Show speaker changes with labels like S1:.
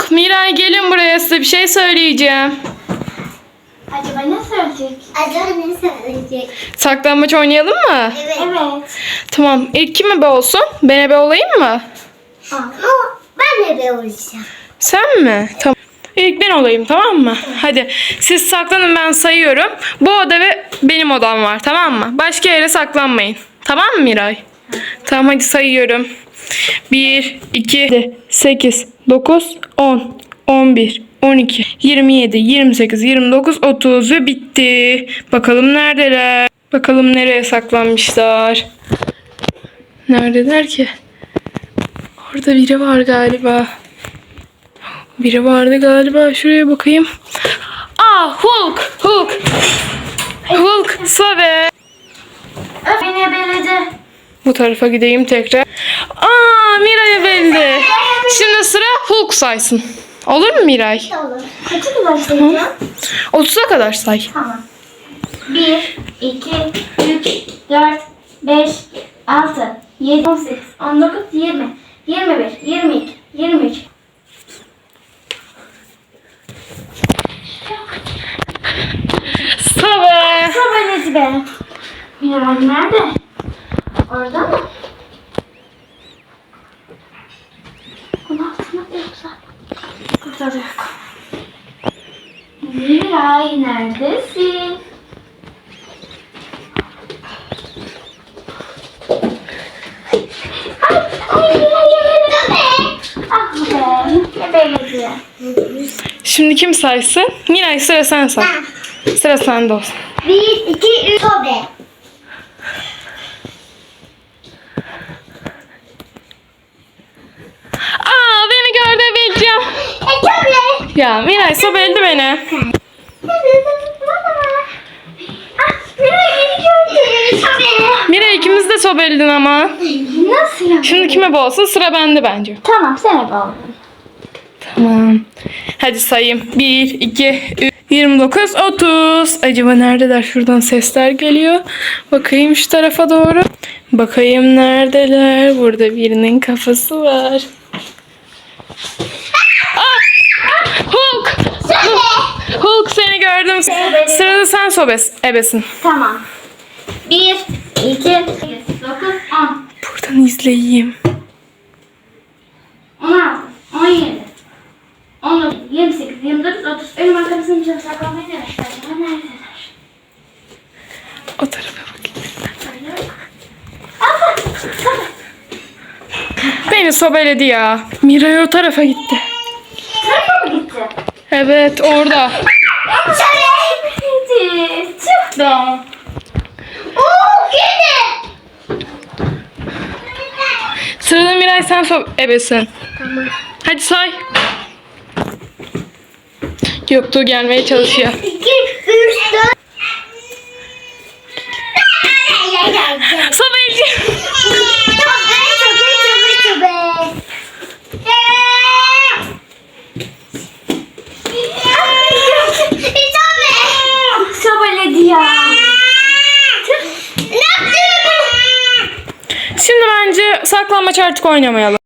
S1: Hulk, Miray gelin buraya, size bir şey söyleyeceğim.
S2: Acaba ne söyleyecek?
S1: Saklambaç oynayalım mı?
S2: Evet.
S1: Tamam. İlk kim ebe olsun? Ben ebe olayım mı?
S2: Ben de olacağım.
S1: Sen mi? Tamam. İlk ben olayım, tamam mı? Hadi siz saklanın, ben sayıyorum. Bu oda ve benim odam var, tamam mı? Başka yere saklanmayın. Tamam mı Miray? Tamam, hadi sayıyorum. 1, 2, 8, 9, 10, 11, 12, 27, 28, 29, 30 ve bitti. Bakalım neredeler? Bakalım nereye saklanmışlar? Neredeler ki? Orada biri var galiba. Biri vardı galiba. Şuraya bakayım. Aa, Hulk! Hulk! Hulk! Sobe!
S2: Beni ebeledi.
S1: Bu tarafa gideyim tekrar. Aa, Miray'a belli. Şimdi sıra Hulk saysın. Olur mu Miray?
S2: Olur. Kaça kadar sayacağım?
S1: 30'a kadar say.
S2: Tamam. 1, 2, 3, 4, 5, 6, 7, 18, 19, 20, 21, 22, 23.
S1: Sobe!
S2: Sabahletti be. Miray nerede? Orada mı? Bunun altında yoksa. Burada da yok. Miray neredesin? Ay Miray ebeledi. Ah be. Ebeledi.
S1: Şimdi kim saysın? Miray, sıra sen say. Sıra sende olsun.
S2: 1, 2, 3, sobe.
S1: Aa, beni gördü, bileceğim.
S2: Sobe.
S1: Ya Miray, sobeldi beni.
S2: Miray beni gördü. Sobe.
S1: Miray, ikimiz de sobeldin ama.
S2: Nasıl ya?
S1: Şimdi kime bu olsun? Sıra bende bence.
S2: Tamam sen ebe oldun.
S1: Tamam. Hadi sayayım. 1, 2, 3, 29, 30. Acaba neredeler? Şuradan sesler geliyor. Bakayım şu tarafa doğru. Bakayım neredeler? Burada birinin kafası var. Hulk! Hulk, seni gördüm. Sırada sen ebesin.
S2: Tamam. 1, 2, 8, 9, 10,
S1: Buradan izleyeyim.
S2: 16, 17, 19, 28, 29, 30. Önüm arkasını çok saklamayı demişler. Neredeler?
S1: O tarafa bakayım.
S2: Abla, sobe.
S1: Beni sobeledi ya. Miray o tarafa gitti.
S2: Tarafa mı gitti?
S1: Evet, orada.
S2: Gitti. Tüh be. Oo, gitti.
S1: Sırada Miray, sen ebesin.
S2: Tamam.
S1: Hadi say. Göktuğ gelmeye çalışıyor.
S2: 2, 3, 4.
S1: Sobelci.
S2: Sobeledi ya.
S1: Şimdi bence saklanmaç artık oynamayalım.